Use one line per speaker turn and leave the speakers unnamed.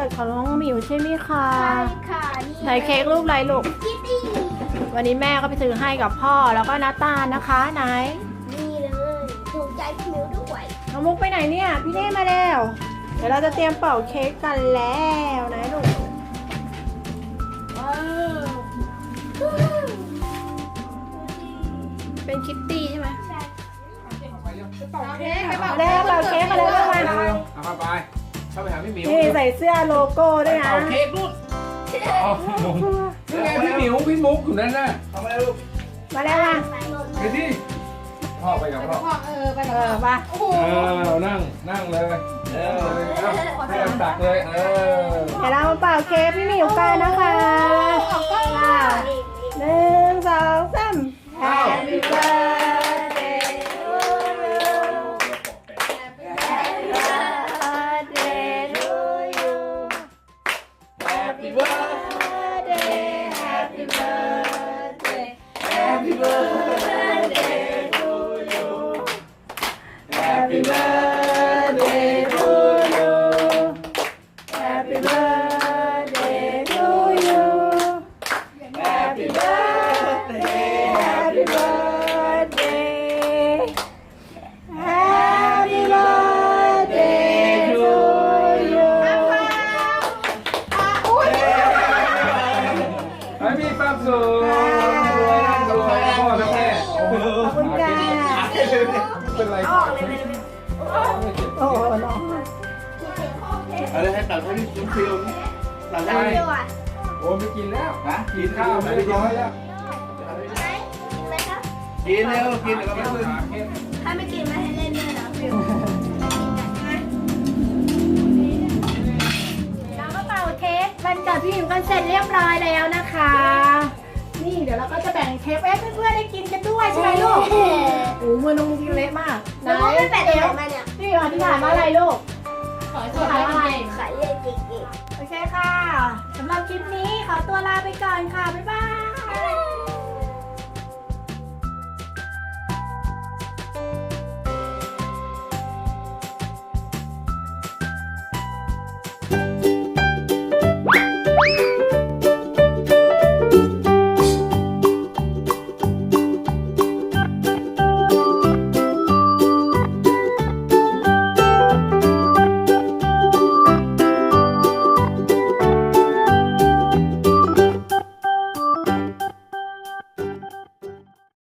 ดของน้องหมิวใช่ไหมคะ
ใช่ค่ะนี่
ไหนเค้กรูปอะไรลูก
คิตตี้
วันนี้แม่ก็ไปซื้อให้กับพ่อแล้วก็น้าตาลนะคะไหน
นี่เลยถูกใจพี่มิวด้วย
น้องมุกไปไหนเนี่ยพี่เน่มาแล้ว เดี๋ยวเราจะเตรียมเป่าเค้กกันแล้วนะลูกว้าวเป็นคิตตี้ใช่ไหม
ใช่
เป่าเค้กไปเป่าเค้กเป่าเค้กมาเลยลูกมา
เร็วๆเอาเข้าไปหาพี่หมิว
นี่ใส่เสื้อโลโก้ด้วยนะ
เป่าเค้กลูกอ๋อนี่ไงพี่หมิวพี่มุกอยู่นั่นน่ะทำอะไรลูก
มาแล้วมา
ไปที่พ่อไปกับพ่อ
ไปมา
นั่งเลยให้ตักเลย
เดี๋ยวเรามาเป่าเค้กพี่หมิวกันนะคะหนึ่งสองสาม Happy birthday to you Happy birthday to you Happy birthday Happy birthday Happy birthday to you Happy birthday to you Happy birthday to you Happy birthday Happy birthday Happy birthday to you
ให้มีความสุขรวยร่ำรวยพ่อและแม่
ขอบคุณค่ะ
เป็นไร
โอ้โหน้อง
อะไรให้ตัดให้พี่ฟิลตัดให้
เดี๋ยวอ่ะ
โอ้ไม่กินแล้ว
นะ
กินข้าวไม่เรียบร้อยแล้ว
ไหนเลยครับ
กินเร็วกินเดี๋ยวก็ไม่ขึ้น
ถ้าไม่กินไม่ให้เล่นด้วยนะฟิว
เราก็เป่าเค้กวันเกิดพี่หมิวกันเสร็จเรียบร้อยแล้วนะคะ นี่เดี๋ยวเราก็จะแบ่งเค้กให้เพื่อนๆได้กินกันด้วยใช่ไหมลูก โอ้มือน้องมุกเล็กมาก
แล้วก็ไม่แปะเดี๋ยวมาเนี่ย
นี่อธิษฐานว่าอะไรลูกขอให้ขายอะไร
ขายเลยจริง
โอเคค่ะสำหรับคลิปนี้ขอตัวลาไปก่อนค่ะ บ๊ายบาย
ๆ